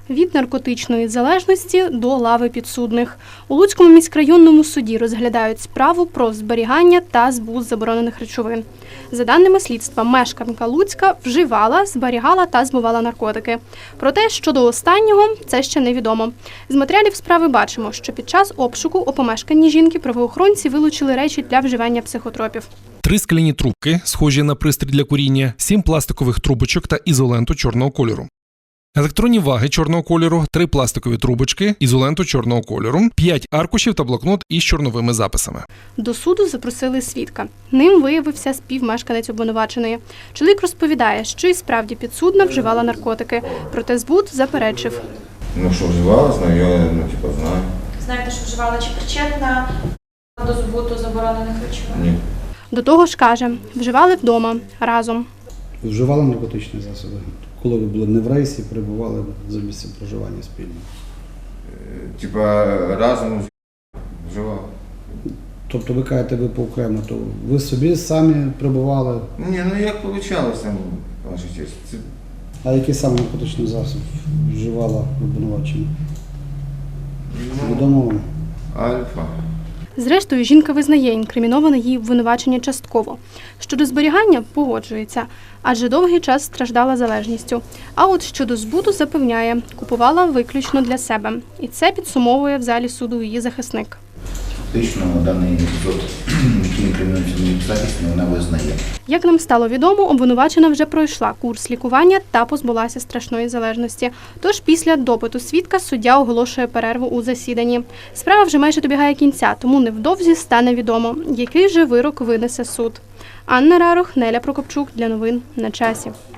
Від наркотичної залежності до лави підсудних. У Луцькому міськрайонному суді розглядають справу про зберігання та збут заборонених речовин. За даними слідства, мешканка Луцька вживала, зберігала та збувала наркотики. Проте, щодо останнього, це ще невідомо. З матеріалів справи бачимо, що під час обшуку у помешканні жінки правоохоронці вилучили речі для вживання психотропів. 3 скляні трубки, схожі на пристрій для куріння, 7 пластикових трубочок та ізоленту чорного кольору. Електронні ваги чорного кольору, 3 пластикові трубочки, ізоленту чорного кольору, 5 аркушів та блокнот із чорновими записами. До суду запросили свідка. Ним виявився співмешканець обвинуваченої. Чоловік розповідає, що і справді підсудна вживала наркотики, проте збут заперечив. Ну, що вживала, знаю, я знаю. Знаєте, що вживала, чи причетна до збуту заборонених речовин? Ні. До того ж каже, вживали вдома, разом. Вживали наркотичні засоби. Коли ви були не в рейсі, перебували за місцем проживання спільно. Типа разом вживала. Тобто ви кажете, ви поокремо, то ви собі самі перебували? Ні, ну як вийшло, ваша честь. А який саме наркотичний засіб вживала обвинувачена? Відомо вам? Альфа. Зрештою, жінка визнає інкриміноване їй обвинувачення частково. Щодо зберігання – погоджується, адже довгий час страждала залежністю. А от щодо збуту запевняє – купувала виключно для себе. І це підсумовує в залі суду її захисник. Фактично, даний епізод, який інкримінується в моїй захисті, вона визнає. Як нам стало відомо, обвинувачена вже пройшла курс лікування та позбулася страшної залежності. Тож після допиту свідка суддя оголошує перерву у засіданні. Справа вже майже добігає кінця, тому невдовзі стане відомо, який же вирок винесе суд. Анна Рарух, Неля Прокопчук для новин на часі.